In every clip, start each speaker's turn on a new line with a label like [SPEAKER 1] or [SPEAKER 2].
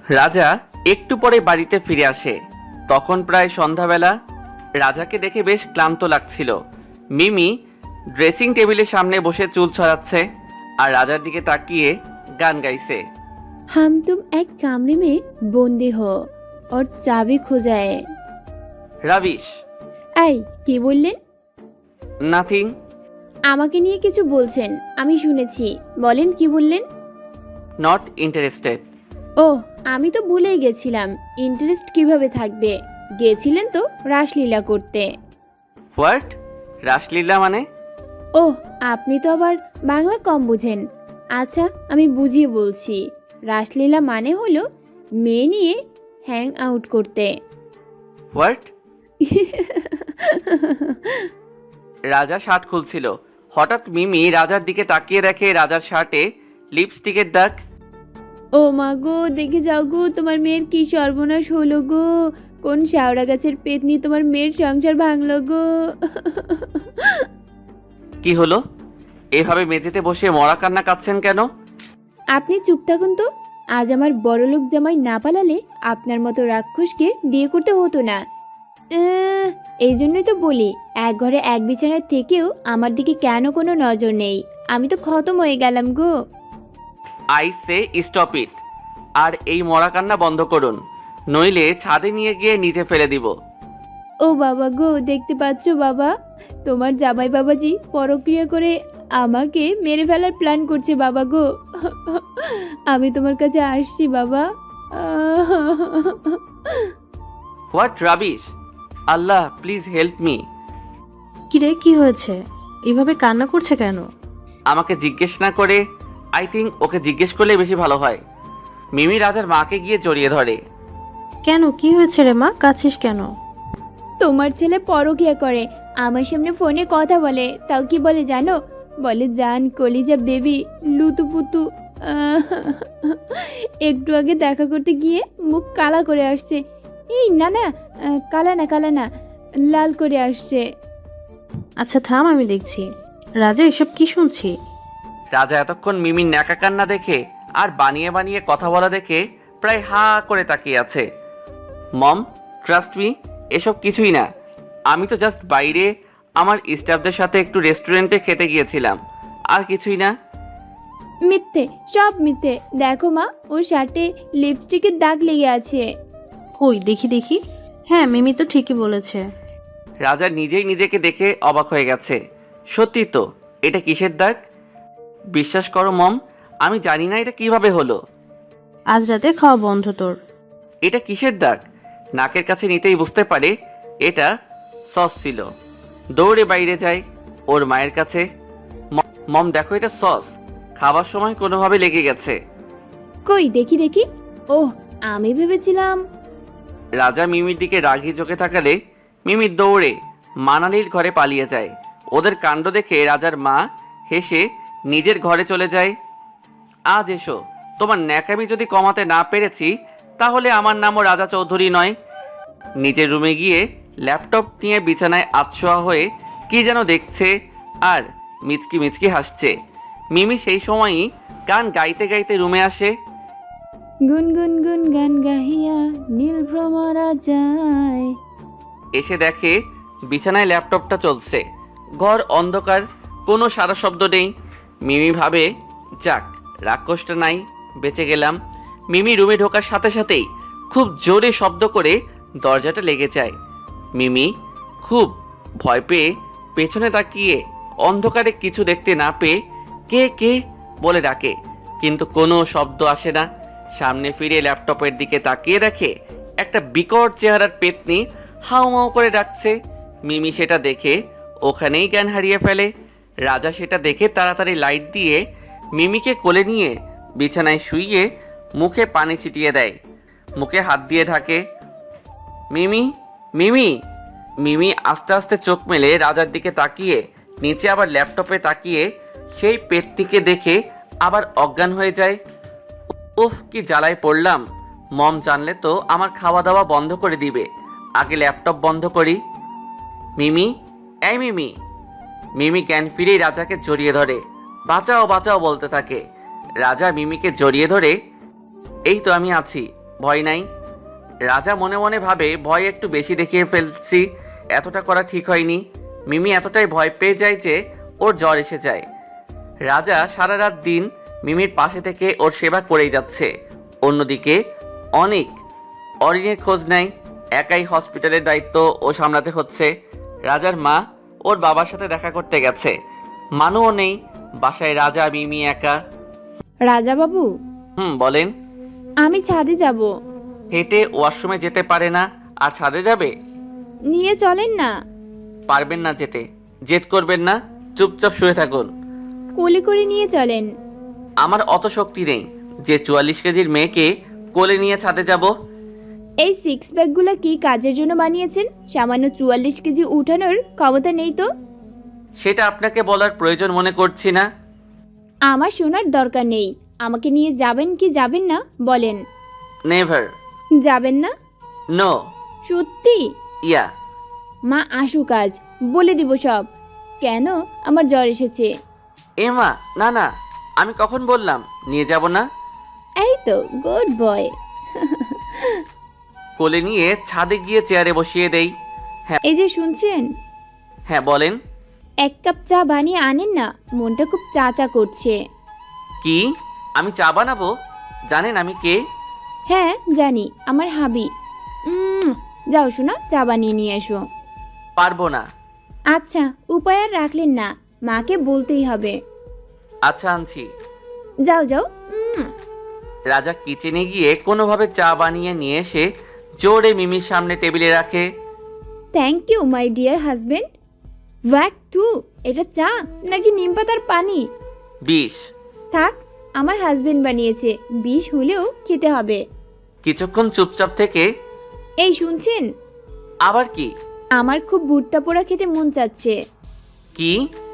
[SPEAKER 1] রাজা একটু পরে বাড়িতে ফিরে আসে। তখন প্রায় সন্ধ্যাবেলা। রাজাকে দেখে বেশ ক্লান্ত লাগছিল। মিমি ড্রেসিং টেবিলের সামনে বসে চুল ছড়াচ্ছে আর রাজার দিকে তাকিয়ে গান গাইছে।
[SPEAKER 2] हम तुम एक कमरे में बंदी हो और चाबी खो जाए।
[SPEAKER 1] রাবিশ।
[SPEAKER 2] এই কি বললেন?
[SPEAKER 1] নাথিং।
[SPEAKER 2] আমাকে নিয়ে কিছু বলছেন, আমি শুনেছি। বলেন কি বললেন?
[SPEAKER 1] Not interested.
[SPEAKER 2] ও, আমি তো ভুলেই গেছিলাম। ইন্টারেস্ট কিভাবে থাকবে? গেছিলেন তো রাসলীলা করতে।
[SPEAKER 1] হোয়াট? রাসলীলা মানে?
[SPEAKER 2] ওহ, আপনি তো আবার বাংলা কম বুঝেন। আচ্ছা, আমি বুঝিয়ে বলছি। রাসলীলা মানে হলো মেয়ে নিয়ে হ্যাং আউট করতে।
[SPEAKER 1] হোয়াট? রাজা শার্ট খুলছিল। হঠাৎ মিমি রাজার দিকে তাকিয়ে দেখে রাজার শার্টে লিপস্টিকের দাগ।
[SPEAKER 2] ও মা গো, দেখে যাও গো, তোমার মেয়ের কি সর্বনাশ হলো গো। কোন শ্যাওড়া গাছের পেতনি তোমার মেয়ের সংসার ভাঙলো গো।
[SPEAKER 1] কি হলো? এভাবে মেঝেতে বসে মরা কান্না কাঁদছেন কেন?
[SPEAKER 2] আপনি চুপ থাকুন তো। আজ আমার বড়লোক জামাই না পালালে আপনার মতো রাক্ষসকে বিয়ে করতে হতো না। এই জন্যই তো বলি, এক ঘরে এক বিছানায় থেকেও আমার দিকে কেন কোনো নজর নেই। আমি তো খতম হয়ে গেলাম গো।
[SPEAKER 1] I say stop it. আর এই মরা কান্না বন্ধ করুন, নইলে ছাদে নিয়ে গিয়ে নিচে ফেলে দিব।
[SPEAKER 2] ও বাবা গো, দেখতে পাচ্ছ বাবা, তোমার জামাই বাবাজি পরক্রিয়া করে আমাকে মেরে ফেলার প্ল্যান করছে বাবা গো। আমি তোমার কাছে আসছি বাবা।
[SPEAKER 1] What rubbish! আল্লাহ প্লিজ হেল্প মি।
[SPEAKER 3] কিরে, কি হয়েছে? এভাবে কান্না করছে কেন?
[SPEAKER 1] আমাকে জিজ্ঞেস না করে আই থিঙ্ক ওকে জিজ্ঞেস করলে বেশি ভালো হয়। মিমি রাজার মাকে গিয়ে জড়িয়ে ধরে।
[SPEAKER 3] কেন, কি হয়েছে রে মা? কাঁদছিস কেন?
[SPEAKER 2] তোমার ছেলে পরক্রিয়া করে, আমার সামনে ফোনে কথা বলে। তাও কি বলে জানো? বলে জান কলিজা বেবি লুতু পুতু। একটু আগে দেখা করতে গিয়ে মুখ কালা করে আসছে। এই না না, কালা না কালা না, লাল করে আসছে।
[SPEAKER 3] আচ্ছা থাম, আমি দেখছি। রাজা, এসব কি শুনছি?
[SPEAKER 1] রাজা এতক্ষণ মিমির ন্যাকা কান্না দেখে আর বানিয়ে বানিয়ে কথা বলা দেখে প্রায় হা করে তাকিয়ে আছে। মম, ট্রাস্ট মি, এসব কিছুই না। আমি তো জাস্ট বাইরে আমার স্টাফদের সাথে একটু রেস্টুরেন্টে খেতে গিয়েছিলাম, আর কিছুই না।
[SPEAKER 2] মিথ্যে, সব মিথ্যে। দেখো মা, ওর শার্টে লিপস্টিকের দাগ লেগে আছে।
[SPEAKER 3] কই দেখি দেখি। হ্যাঁ, মিমি তো ঠিকই বলেছে।
[SPEAKER 1] রাজা নিজেই নিজেকে দেখে অবাক হয়ে গেছে। সত্যি তো, এটা কিসের দাগ? বিশ্বাস করো মম, আমি জানি না এটা কিভাবে হলো।
[SPEAKER 3] আজ রাতে খাওয়া বন্ধ তোর।
[SPEAKER 1] এটা কিসের দাগ? নাকের কাছে নিতেই বুঝতে পারে এটা সস ছিল। দৌড়ে বাইরে যায় ওর মায়ের কাছে। মম দেখো, এটা সস। খাবার সময় কোনোভাবে লেগে গেছে।
[SPEAKER 2] কই দেখি দেখি। ওহ, আমি ভেবেছিলাম।
[SPEAKER 1] রাজা মিমির দিকে রাগি চোখে তাকালে মিমি দৌড়ে মানালির ঘরে পালিয়ে যায়। ওদের কাণ্ড দেখে রাজার মা হেসে নিজের ঘরে চলে যায়। আজ এসো, তোমার ন্যাকামি যদি কমাতে না পেরেছি তাহলে আমার নামও রাজা চৌধুরী নয়। নিজের রুমে গিয়ে ল্যাপটপ নিয়ে বিছানায় আতশোয়া হয়ে কি যেন দেখছে আর মিচকি মিচকি হাসছে। মিমি সেই সময়ই গান গাইতে গাইতে রুমে আসে।
[SPEAKER 2] গুন গুন গুন গান গাহিয়া নীল ভ্রমরা যায়।
[SPEAKER 1] এসে দেখে বিছানায় ল্যাপটপটা চলছে। ঘর অন্ধকার, কোনো সারা শব্দ নেই। মিমি ভাবে, যাক, রাক্ষসটা নাই, বেঁচে গেলাম। মিমি রুমে ঢোকার সাথে সাথেই খুব জোরে শব্দ করে দরজাটা লেগে যায়। মিমি খুব ভয় পেয়ে পেছনে তাকিয়ে অন্ধকারে কিছু দেখতে না পেয়ে কে কে বলে ডাকে, কিন্তু কোনো শব্দ আসে না। সামনে ফিরে ল্যাপটপের দিকে তাকিয়ে দেখে একটা বিকট চেহারার পেতনি হাউমাউ করে ডাকছে। মিমি সেটা দেখে ওখানেই জ্ঞান হারিয়ে ফেলে। রাজা সেটা দেখে তাড়াতাড়ি লাইট দিয়ে মিমিকে কোলে নিয়ে বিছানায় শুইয়ে মুখে পানি ছিটিয়ে দেয়, মুখে হাত দিয়ে ঢাকে। মিমি, মিমি। মিমি আস্তে আস্তে চোখ মেলে রাজার দিকে তাকিয়ে নিচে আবার ল্যাপটপে তাকিয়ে সেই পেতনিকে দেখে আবার অজ্ঞান হয়ে যায়। উফ, কি জ্বালায় পড়লাম। মম জানলে তো আমার খাওয়া দাওয়া বন্ধ করে দিবে। আগে ল্যাপটপ বন্ধ করি। মিমি, এই মিমি। মিমি জ্ঞান ফিরেই রাজাকে জড়িয়ে ধরে বাঁচাও বাঁচাও বলতে থাকে। রাজা মিমিকে জড়িয়ে ধরে, এই তো আমি আছি, ভয় নাই। রাজা মনে মনে ভাবে ভয় একটু বেশি দেখিয়ে ফেলছি, এতটা করা ঠিক হয়নি। মিমি এতটাই ভয় পেয়ে যায় যে ওর জ্বর এসে যায়। রাজা সারা রাত দিন মিমির পাশে থেকে ওর সেবা করেই যাচ্ছে। অন্যদিকে অনেক অরিনের খোঁজ নেয়, একাই হসপিটালের দায়িত্ব ও সামলাতে হচ্ছে। রাজার মা ওর বাবার সাথে দেখা করতে গেছে, মানুও নেই বাসায়, রাজা মিমি একা।
[SPEAKER 2] রাজা বাবু,
[SPEAKER 1] বলেন।
[SPEAKER 2] আমি ছাদে যাব।
[SPEAKER 1] হেঁটে ওয়াশরুমে যেতে পারে না আর ছাদে যাবে?
[SPEAKER 2] নিয়ে চলেন না।
[SPEAKER 1] পারবেন না যেতে, জেদ করবেন না, চুপচাপ শুয়ে থাকুন।
[SPEAKER 2] কোলে করে নিয়ে চলেন।
[SPEAKER 1] আমার অত শক্তি নেই যে 44 কেজির মেয়েকে কোলে নিয়ে ছাদে যাব।
[SPEAKER 2] এই সিক্স প্যাকগুলো কি কাজের জন্য বানিয়েছেন? সামান্য 44 কেজি উঠানোর ক্ষমতা নেই তো?
[SPEAKER 1] সেটা আপনাকে বলার প্রয়োজন মনে করছি না।
[SPEAKER 2] আমার শোনার দরকার নেই। আমাকে নিয়ে যাবেন কি যাবেন না বলেন।
[SPEAKER 1] নেভার।
[SPEAKER 2] যাবেন না?
[SPEAKER 1] নো।
[SPEAKER 2] সত্যি?
[SPEAKER 1] ইয়া।
[SPEAKER 2] মা আসুক আজ, বলে দিব সব। কেন আমার জ্বর এসেছে।
[SPEAKER 1] এমা, না না, আমি কখন বললাম নিয়ে যাব না?
[SPEAKER 2] এই তো গুড বয়।
[SPEAKER 1] কোলে নিয়ে ছাদে গিয়ে চেয়ারে বসিয়ে দেই।
[SPEAKER 2] এই যে শুনছেন,
[SPEAKER 1] হ্যাঁ বলেন।
[SPEAKER 2] 1 কাপ চা বানিয়ে আনেন না, মনটা খুব চা চা করছে।
[SPEAKER 1] কি? আমি চা বানাবো? জানেন আমি কে?
[SPEAKER 2] হ্যাঁ জানি, আমার হাবি। যাও শোনা, চা বানিয়ে নিয়ে এসো।
[SPEAKER 1] পারবো না।
[SPEAKER 2] আচ্ছা, উপায় আর রাখলেন না, মাকে বলতেই হবে।
[SPEAKER 1] আচ্ছা আনছি।
[SPEAKER 2] যাও যাও।
[SPEAKER 1] রাজা কিচেনে গিয়ে কোনোভাবে চা বানিয়ে নিয়ে এসে জোরে মিমির সামনে টেবিলে রাখে।
[SPEAKER 2] Thank you my dear husband. ওয়াক টু, এটা চা নাকি নিম পাতার পানি?
[SPEAKER 1] 20।
[SPEAKER 2] থাক, আমার হাজবেন্ড বানিয়েছে, 20 হলেও খেতে হবে।
[SPEAKER 1] কিছুক্ষণ চুপচাপ থেকে
[SPEAKER 2] এই শুনছেন,
[SPEAKER 1] আবার কি?
[SPEAKER 2] আমার খুব ভুট্টা পোড়া খেতে মন চাচ্ছে।
[SPEAKER 1] কি?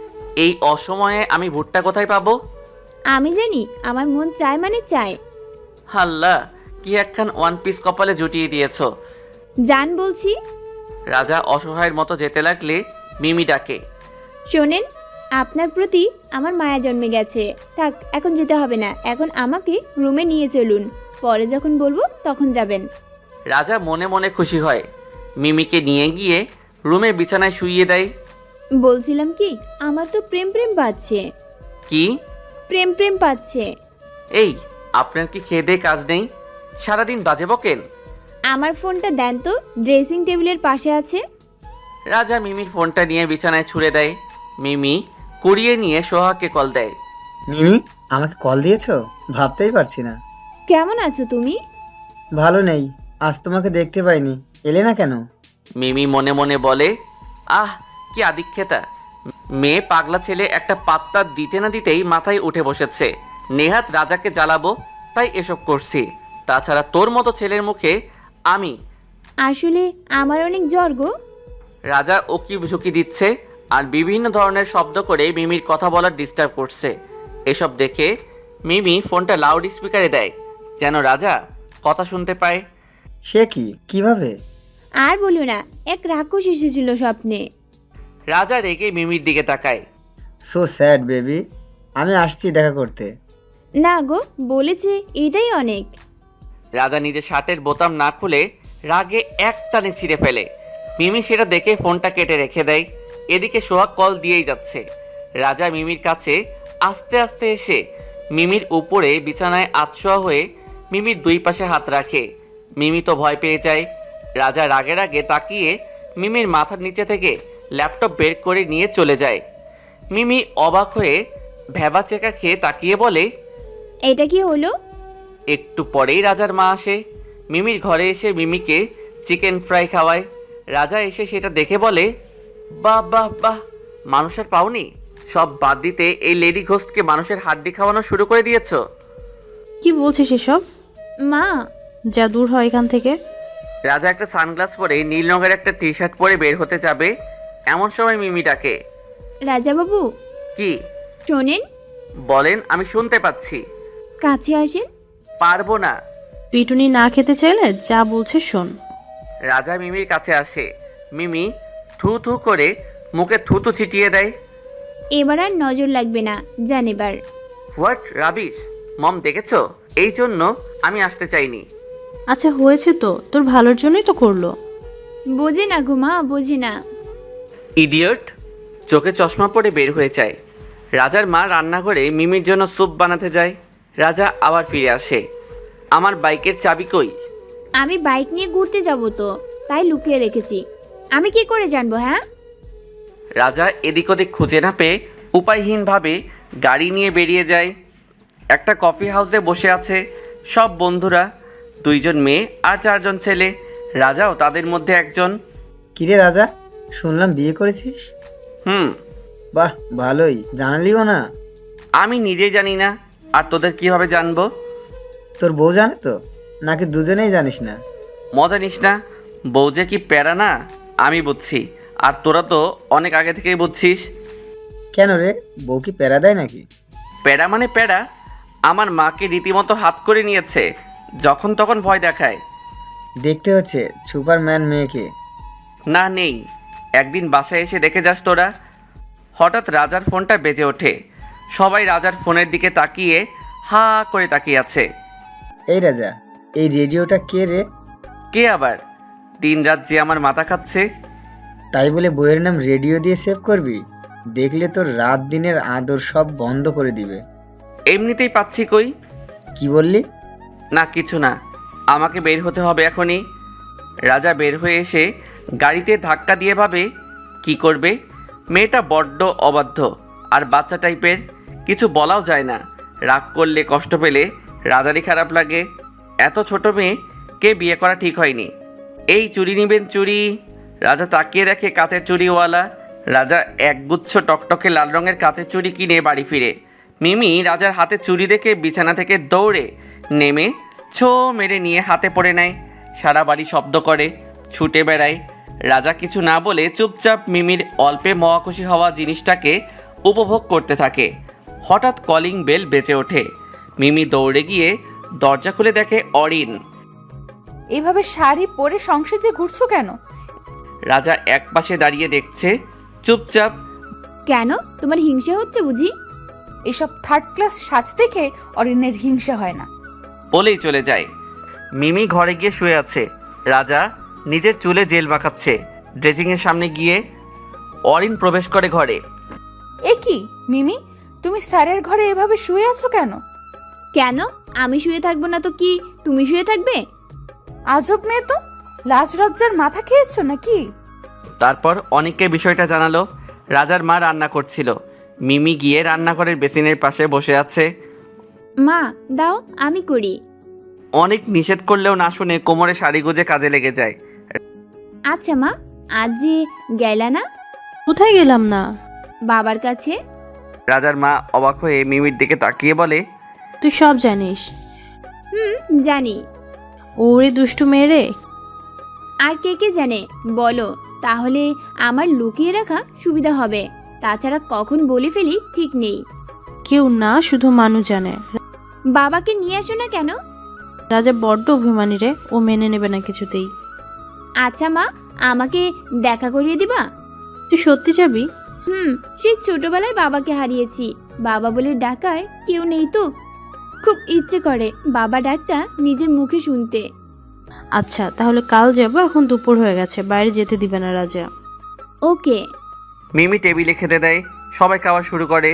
[SPEAKER 1] এই অসময়ে আমি ভুট্টা কোথায় পাবো?
[SPEAKER 2] আমি জানি, আমার মন চায় মানে চায়।
[SPEAKER 1] হাল্লা, কি একখান ওয়ান পিস কপালে জুটিয়ে দিয়েছো।
[SPEAKER 2] জান বলছি।
[SPEAKER 1] রাজা অসহায়ের মতো যেতে লাগলে মিমি ডাকে।
[SPEAKER 2] শোনেন, আপনার প্রতি আমার মায়া জন্মে গেছে। থাক, এখন যেতে হবে না, এখন আমাকে রুমে নিয়ে চলুন, পরে যখন বলবো তখন যাবেন।
[SPEAKER 1] রাজা মনে মনে খুশি হয়, মিমিকে নিয়ে গিয়ে রুমে বিছানায় শুইয়ে দেয়।
[SPEAKER 2] বলছিলাম কি, আমার তো প্রেম প্রেম পাচ্ছে।
[SPEAKER 1] কি?
[SPEAKER 2] প্রেম প্রেম পাচ্ছে।
[SPEAKER 1] এই, আপনার কি খেয়ে দেয়ে কাজ নেই? সারাদিন বাজে বকেন।
[SPEAKER 2] আমার ফোনটা দেন তো, ড্রেসিং টেবিলের পাশে আছে।
[SPEAKER 1] রাজা মিমির ফোনটা নিয়ে বিছানায় ছুঁড়ে দেয়। মিমি কুড়িয়ে নিয়ে সোহাকে কল দেয়।
[SPEAKER 4] মিমি, আমাকে কল দিয়েছো? ভাবতেই পারছি না।
[SPEAKER 2] কেমন আছো তুমি?
[SPEAKER 4] ভালো নেই, আজ তোমাকে দেখতে পাইনি, এলে না কেন?
[SPEAKER 1] মিমি মনে মনে বলে, আহ কি আদিক্ষেতা, মেয়ে পাগলা ছেলে একটা পাত্তা দিতে না দিতেই মাথায় উঠে বসেছে। নেহাত রাজাকে জ্বালাবো তাই এসব করছি, তাছাড়া তোর মতো ছেলের মুখে আমি।
[SPEAKER 2] আসলে আমার অনেক জ্বর গো।
[SPEAKER 1] রাজা ওকি ঝুঁকি দিচ্ছে আর বিভিন্ন ধরনের শব্দ করে মিমির কথা বলার ডিস্টার্ব করছে। এসব দেখে মিমি ফোনটা লাউড স্পিকারে দেয় যেন রাজা কথা শুনতে পায়।
[SPEAKER 4] সে কি, কিভাবে?
[SPEAKER 2] আর বলিও না, এক রাক্ষস এসেছিল স্বপ্নে।
[SPEAKER 1] রাজা রেগে মিমির দিকে তাকায়।
[SPEAKER 4] সো স্যাড বেবি, আমি আসছি দেখা করতে।
[SPEAKER 2] না গো, বলেছে এটাই অনেক।
[SPEAKER 1] রাজা নিজে শার্টের বোতাম না খুলে রাগে এক টানে ছিঁড়ে ফেলে। মিমি সেটা দেখে ফোনটা কেটে রেখে দেয়। এদিকে সোহাগ কল দিয়েই যাচ্ছে। রাজা মিমির কাছে আস্তে আস্তে এসে মিমির উপরে বিছানায় আতশোয়া হয়ে মিমির দুই পাশে হাত রাখে। মিমি তো ভয় পেয়ে যায়। রাজা রাগে রাগে তাকিয়ে মিমির মাথার নিচে থেকে ল্যাপটপ বের করে নিয়ে চলে যায়। মিমি অবাক হয়ে ভ্যাবা চেকা খেয়ে তাকিয়ে বলে,
[SPEAKER 2] এটা কি হলো?
[SPEAKER 1] একটু পরেই রাজার মা আসে। মিমির ঘরে এসে মিমিকে চিকেন ফ্রাই খাওয়ায়। রাজা এসে সেটা দেখে বলে, বাহ বাহ বাহ, মানুষের পাওনি, সব বাদ দিতে এই লেডি ঘোস্টকে মানুষের হাড্ডি খাওয়ানো শুরু করে দিয়েছ।
[SPEAKER 3] কি বলছিস এসব?
[SPEAKER 2] মা,
[SPEAKER 3] যা দূর হয় এখান থেকে।
[SPEAKER 1] রাজা একটা সানগ্লাস পরে নীল রঙের একটা টি শার্ট পরে বের হতে যাবে, এমন সময় মিমি ডাকে।
[SPEAKER 2] রাজা বাবু,
[SPEAKER 1] কি?
[SPEAKER 2] শোনেন।
[SPEAKER 1] বলেন, আমি শুনতে পাচ্ছি।
[SPEAKER 2] কাছে আসেন।
[SPEAKER 1] পারবো না।
[SPEAKER 3] পিটুনি না খেতে চাইলে যা বলছে শোন।
[SPEAKER 1] রাজা মিমির কাছে আসে। মিমি থু থু করে মুখে থুতু ছিটিয়ে দেয়।
[SPEAKER 2] এবার আর নজর লাগবে না, জান এবার।
[SPEAKER 1] হোয়াট রাবিশ, মম দেখেছো? এই জন্য আমি আসতে চাইনি।
[SPEAKER 3] আচ্ছা হয়েছে তো, তোর ভালোর জন্যই তো করলো।
[SPEAKER 2] বোঝে না গো মা, বোঝে না।
[SPEAKER 1] ইডিয়ট। চোখে চশমা পরে বের হয়ে যায়। রাজার মা রান্নাঘরে মিমির জন্য স্যুপ বানাতে যায়। রাজা আবার ফিরে আসে। আমার বাইকের চাবি কই?
[SPEAKER 2] আমি বাইক নিয়ে ঘুরতে যাব তো, তাই লুকিয়ে রেখেছি। আমি কি করে জানবো? হ্যাঁ,
[SPEAKER 1] রাজা এদিক ওদিক খুঁজে না পেয়ে উপায়হীনভাবে গাড়ি নিয়ে বেরিয়ে যায়। একটা কফি হাউসে বসে আছে সব বন্ধুরা, 2জন মেয়ে আর 4জন ছেলে। রাজাও তাদের মধ্যে একজন।
[SPEAKER 4] কিরে রাজা, শুনলাম বিয়ে করেছিস?
[SPEAKER 1] হুম।
[SPEAKER 4] বাহ, ভালোই, জানালিও না।
[SPEAKER 1] আমি নিজেই জানি না, আর তোদের কিভাবে জানবো?
[SPEAKER 4] তোর বউ জানে তো, নাকি দুজনেই জানিস না?
[SPEAKER 1] মজা নিস না। বউ যে কি প্যারা না আমি বুঝছি, আর তোরা তো অনেক আগে থেকেই বুঝছিস।
[SPEAKER 4] কেন রে, বউ কি প্যারা দেয় নাকি?
[SPEAKER 1] প্যারা মানে প্যারা। আমার মাকে রীতিমতো হাত করে নিয়েছে, যখন তখন ভয় দেখায়।
[SPEAKER 4] দেখতে হচ্ছে সুপারম্যান মেয়েকে।
[SPEAKER 1] না, নেই। একদিন বাসায় এসে দেখে যাস তোরা। হঠাৎ রাজার ফোনটা বেজে ওঠে। সবাই রাজার ফোনের দিকে তাকিয়ে হা করে তাকিয়ে আছে।
[SPEAKER 4] এই রাজা, এই রেডিওটা কে রে?
[SPEAKER 1] কে আবার? দিনরাত যে আমার মাথা খাচ্ছে।
[SPEAKER 4] তাই বলে বইয়ের নাম রেডিও দিয়ে সেভ করবি? দেখলে তোর রাত দিনের আদর সব বন্ধ করে দিবে।
[SPEAKER 1] এমনিতেই পাচ্ছি কই।
[SPEAKER 4] কি বললি?
[SPEAKER 1] না, কিছু না। আমাকে বের হতে হবে এখনই। রাজা বের হয়ে এসে গাড়িতে ধাক্কা দিয়ে ভাবে কি করবে। মেয়েটা বড্ড অবাধ্য আর বাচ্চা টাইপের, কিছু বলাও যায় না। রাগ করলে, কষ্ট পেলে রাজারই খারাপ লাগে। এত ছোট মেয়ে কে বিয়ে করা ঠিক হয়নি। এই চুড়ি নিবেন, চুড়ি। রাজা তাকিয়ে দেখে কাচের চুড়িওয়ালা। রাজা একগুচ্ছ টকটকে লাল রঙের কাচের চুড়ি কিনে বাড়ি ফিরে। মিমি রাজার হাতে চুড়ি দেখে বিছানা থেকে দৌড়ে নেমে ছো মেরে নিয়ে হাতে পড়ে নেয়। সারা বাড়ি শব্দ করে, ছুটে বেড়ায়। রাজা কিছু না বলে চুপচাপ মিমির অল্পে মহাখুশি হওয়া জিনিসটাকে উপভোগ করতে থাকে। হঠাৎ কলিং বেল বেজে ওঠে। মিমি দৌড়ে গিয়ে দরজা খুলে দেখে অরিন।
[SPEAKER 5] এভাবে শাড়ি পরে সংসারে ঘুরছো কেন?
[SPEAKER 1] রাজা একপাশে দাঁড়িয়ে দেখছে চুপচাপ।
[SPEAKER 2] কেন, তোমার হিংসা হচ্ছে বুঝি?
[SPEAKER 5] এসব থার্ড ক্লাস সাজ দেখে অরিনের হিংসা হয় না।
[SPEAKER 1] বলেই চলে যায়। মিমি ঘরে গিয়ে শুয়ে আছে। রাজা নিজের চুলে জেল মাখাচ্ছে। ড্রেসিংয়ের সামনে গিয়ে অরিন প্রবেশ করে ঘরে।
[SPEAKER 5] এ কি মিমি, তুমি স্যারের ঘরে এভাবে শুয়ে আছো কেন?
[SPEAKER 2] কেন, আমি শুয়ে থাকবো না তো কি তুমি শুয়ে থাকবে?
[SPEAKER 5] আজব মেয়ে তো, লাজ লজ্জার মাথা খেয়েছো নাকি?
[SPEAKER 1] তারপর অনেককে বিষয়টা জানালো। রাজার মা রান্না করছিল। মিমি গিয়ে রান্নাঘরের বেসিনের পাশে বসে আছে।
[SPEAKER 2] মা দাও, আমি করি।
[SPEAKER 1] অনেক নিষেধ করলেও না শুনে কোমরে শাড়ি গুজে কাজে লেগে যায়।
[SPEAKER 2] আচ্ছা মা, আজ যে গেলা না
[SPEAKER 3] কোথায় গেলাম না?
[SPEAKER 2] বাবার কাছে?
[SPEAKER 1] রাজার মা অবাক হয়ে মিমির দিকে তাকিয়ে বলে,
[SPEAKER 3] তুই সব জানিস?
[SPEAKER 2] হুম, জানি।
[SPEAKER 3] ওরে দুষ্টু মেয়ে।
[SPEAKER 2] আর কে কে জানে বলো, তাহলে আমার লুকিয়ে রাখা সুবিধা হবে। তাছাড়া কখন বলে ফেলি ঠিক নেই।
[SPEAKER 3] কেউ না, শুধু মানু জানে।
[SPEAKER 2] বাবাকে নিয়ে আসো না কেন?
[SPEAKER 3] রাজা বড্ড অভিমানী রে, ও মেনে নেবে না কিছুতেই।
[SPEAKER 2] আচ্ছা মা, আমাকে দেখা করিয়ে দিবা?
[SPEAKER 3] তুই সত্যি যাবি?
[SPEAKER 2] হুম, সেই ছোটবেলায় বাবাকে হারিয়েছি। বাবা বলে ডাকার কেউ নেই তো, খুব ইচ্ছে করে বাবা ডাকটা নিজের মুখে শুনতে।
[SPEAKER 3] আচ্ছা তাহলে কাল যাবো, এখন দুপুর হয়ে গেছে, বাইরে যেতে দিবে না রাজা।
[SPEAKER 2] ওকে।
[SPEAKER 1] মিমি টেবিলে খেতে দেয়। সবাই খাওয়া শুরু করে।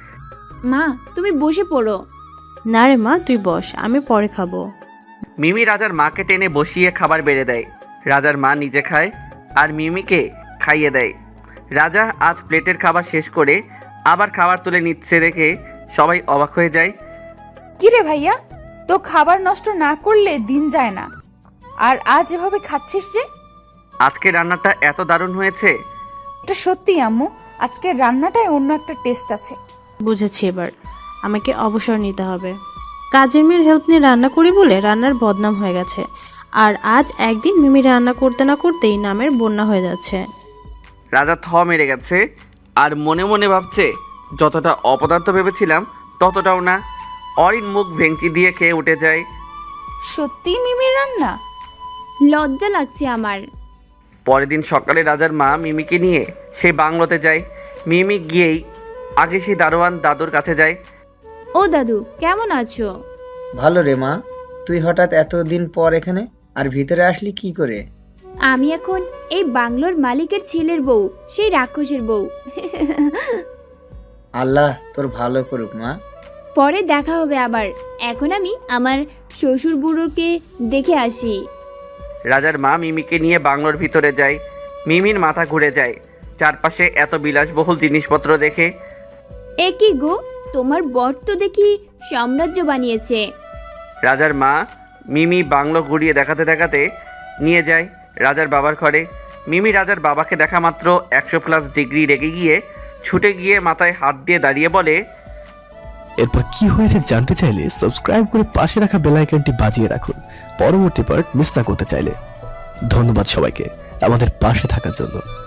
[SPEAKER 2] মা তুমি বসে পড়ো।
[SPEAKER 3] না রে মা, তুই বস, আমি পরে খাবো।
[SPEAKER 1] মিমি রাজার মাকে টেনে বসিয়ে খাবার বেড়ে দেয়। রাজার মা নিজে খায় আর মিমিকে খাইয়ে দেয়। রাজা আজ প্লেটের খাবার শেষ করে আবার খাবার তুলে নিচ্ছে দেখে সবাই অবাক হয়ে যায়।
[SPEAKER 5] কিরে ভাইয়া, তো খাবার নষ্ট না করলে দিন যায় না, আর আজ এভাবে খাচ্ছিস যে?
[SPEAKER 1] আজকে রান্নাটা এত দারুণ হয়েছে।
[SPEAKER 5] এটা সত্যি আম্মু, আজকের রান্নাটায় অন্য একটা টেস্ট আছে।
[SPEAKER 3] বুঝেছি, এবার আমাকে অবসর নিতে হবে। কাজের মেয়ের হেল্প নিয়ে রান্না করি বলে রান্নার বদনাম হয়ে গেছে, আর আজ একদিন মিমি রান্না করতে না করতেই নামের বন্যা হয়ে যাচ্ছে।
[SPEAKER 1] রাজা থ মেরে গেছে আর মনে মনে ভাবছে, যতটা অপদার্থ ভেবেছিলাম ততটাও না। অরিন মুখ ভেঙচি দিয়ে খেয়ে উঠে যায়।
[SPEAKER 5] সত্যি মিমির রান্না?
[SPEAKER 2] লজ্জা লাগছে আমার।
[SPEAKER 1] পরের দিন সকালে রাজার মা মিমিকে নিয়ে সেই বাংলোতে যায়। মিমি গিয়েই আগে সেই দারোয়ান দাদুর কাছে যায়।
[SPEAKER 2] ও দাদু, কেমন আছো?
[SPEAKER 4] ভালো রে মা, তুই হঠাৎ এতদিন পর এখানে, আর ভিতরে আসলি কি করে?
[SPEAKER 2] আমি এখন এই বাংলোর মালিকের ছেলের বউ, সেই রাক্ষসের বউ।
[SPEAKER 4] আল্লাহ তোর ভালো করুক মা।
[SPEAKER 2] পরে দেখা হবে আবার। এখন আমি আমার শ্বশুর বুড়োকে দেখে আসি।
[SPEAKER 1] রাজার মা মিমিকে নিয়ে বাংলোর ভিতরে যায়। মিমির মাথা ঘুরে যায় চারপাশে এত বিলাসবহুল জিনিসপত্র দেখে।
[SPEAKER 2] এ কি গো, তোমার বর তো দেখি সাম্রাজ্য বানিয়েছে।
[SPEAKER 1] রাজার মা মিমি বাংলো ঘুরিয়ে দেখাতে দেখাতে নিয়ে যায় রাজার বাবার ঘরে। মিমি রাজার বাবাকে দেখা মাত্র 100+ ডিগ্রি রেগে গিয়ে ছুটে গিয়ে মাথায় হাত দিয়ে দাঁড়িয়ে বলে,
[SPEAKER 6] এরপর কি হয়েছে জানতে চাইলে সাবস্ক্রাইব করে পাশে রাখা বেল আইকনটি বাজিয়ে রাখুন পরবর্তী পার্ট মিস না করতে চাইলে। ধন্যবাদ সবাইকে আমাদের পাশে থাকার জন্য।